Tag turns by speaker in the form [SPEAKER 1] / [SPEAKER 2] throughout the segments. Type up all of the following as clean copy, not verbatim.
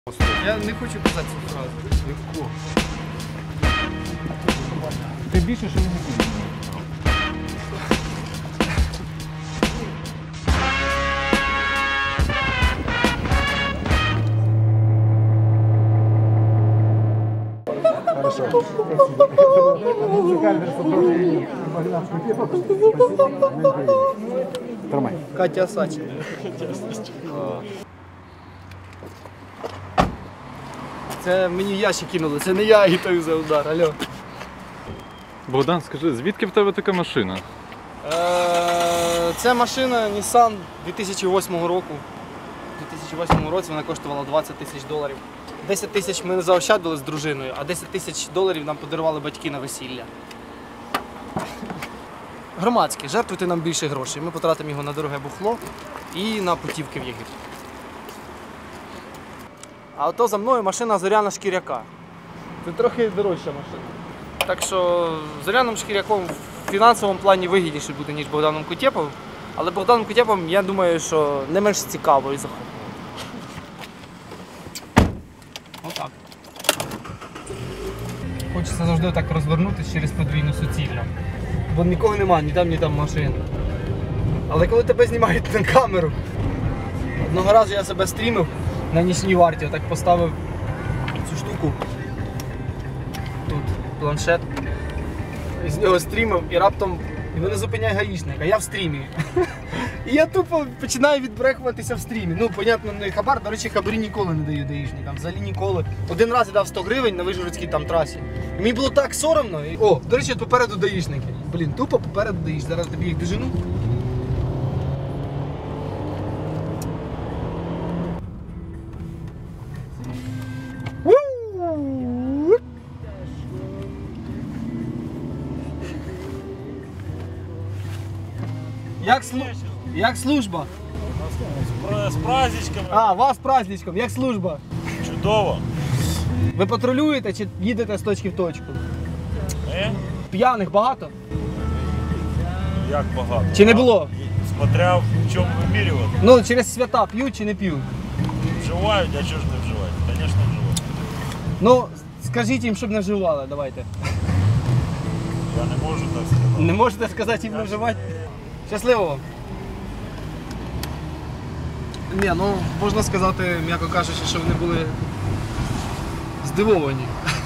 [SPEAKER 1] Я не хочу казати цю фразу.
[SPEAKER 2] Легко. Ти більше, що не хотів. Хорошо. Тримай.
[SPEAKER 1] Катя Сачин. Це мені в ящик кинули, це не я агітую за удар, алло.
[SPEAKER 3] Богдан, скажи, звідки в тебе така машина?
[SPEAKER 1] Це машина Nissan 2008 року. У 2008 році вона коштувала $20 тисяч. 10 тисяч ми заощадили з дружиною, а 10 тисяч доларів нам подарували батьки на весілля. Громадське, жертвуйте нам більше грошей. Ми потратимо його на дороге бухло і на путівки в Єгипет. А ото за мною машина Зоряна Шкіряка. Це трохи дорожча машина. Так що Зоряним Шкіряком в фінансовому плані вигідніше буде, ніж Богданом Кутєповим. Але Богданом Кутєповим, я думаю, що не менш цікаво і захопливо. Отак. Хочеться завжди так розвернутися через подвійну суцільну. Бо нікого немає, ні там машин. Але коли тебе знімають на камеру, одного разу я себе стрімив на нічній варті, отак поставив цю штуку, тут планшет, з нього стрімив і раптом мене зупиняє гаїшник, а я в стрімі. І я тупо починаю відбрехуватися в стрімі. Ну, понятно, не хабар, до речі, хабарі ніколи не даю гаїшникам, взагалі ніколи. Один раз я дав 100 гривень на Вишгородській там трасі. І мені було так соромно. О, до речі, попереду гаїшники. Блін, тупо попереду даїш, зараз тобі їх дожену. Як служба?
[SPEAKER 4] З праздничками.
[SPEAKER 1] А, вас з праздничком, як служба?
[SPEAKER 4] Чудово.
[SPEAKER 1] Ви патрулюєте чи їдете з точки в точку? П'яних багато?
[SPEAKER 4] Як багато?
[SPEAKER 1] Чи не було?
[SPEAKER 4] Смотря в чому вимірювати.
[SPEAKER 1] Ну, через свята п'ють чи не п'ють?
[SPEAKER 4] Вживають, а чого ж не вживають? Звісно, вживають.
[SPEAKER 1] Ну, скажіть їм, щоб не вживали, давайте.
[SPEAKER 4] Я не можу так сказати.
[SPEAKER 1] Не можете сказати їм не вживати? Щасливо вам. Ні, ну, можна сказати, м'яко кажучи, що вони були здивовані.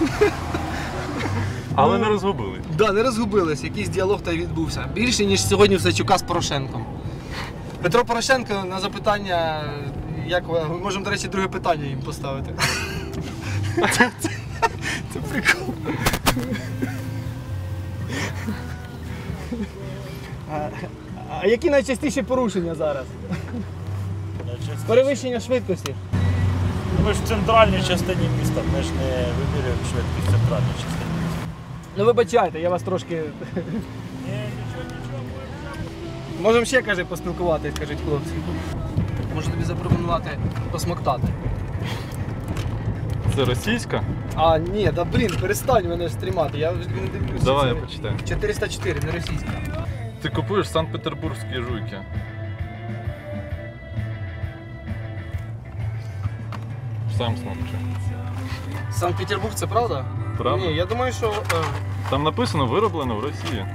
[SPEAKER 3] Але не розгубили.
[SPEAKER 1] Так, да, не розгубились, якийсь діалог та й відбувся. Більше, ніж сьогодні в Сачука з Порошенком. Петро Порошенко на запитання, як ви, ми можемо, до речі, друге питання їм поставити. Це прикол. А які найчастіші порушення зараз? Перевищення швидкості.
[SPEAKER 4] Ми ж в центральній частині міста, ми ж не вимірюємо швидкість в центральній частині міста.
[SPEAKER 1] Ну вибачайте, я вас трошки...
[SPEAKER 4] Нічого.
[SPEAKER 1] Можемо ще, каже, поспілкуватись, кажуть хлопці. Можу тобі запропонувати посмоктати.
[SPEAKER 3] Це російська?
[SPEAKER 1] А, ні, да блін, перестань мене стрімати, я вже не дивлюся.
[SPEAKER 3] Давай я почитаю.
[SPEAKER 1] 404, не російська.
[SPEAKER 3] Ти купуєш санкт-петербурзькі жуйки. Сам смокчи.
[SPEAKER 1] Санкт-Петербург, це правда?
[SPEAKER 3] Правда?
[SPEAKER 1] Ні, я думаю, що...
[SPEAKER 3] Там написано вироблено в Росії.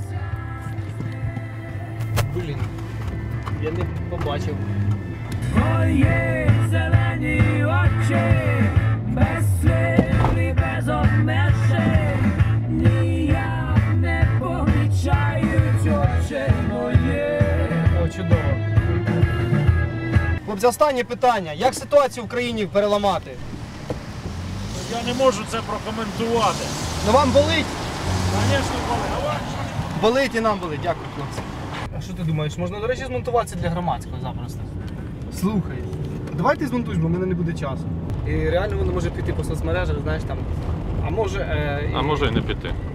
[SPEAKER 1] Блін, я не побачив.
[SPEAKER 5] Твої зелені очі, без слів і без обмежень, ніяк не помічають очі мої.
[SPEAKER 1] О, чудово. Хлопці, останнє питання. Як ситуацію в країні переламати?
[SPEAKER 4] Я не можу це прокоментувати.
[SPEAKER 1] Ну вам болить?
[SPEAKER 4] Звісно, коли.
[SPEAKER 1] Болить і нам болить. Дякую, хлопці. А що ти думаєш, можна, до речі, змонтуватися для громадського запросто? Слухай, давай ти змонтуєш, бо в мене не буде часу. І реально воно може піти по соцмережах, знаєш, там. А може...
[SPEAKER 3] А може й не піти.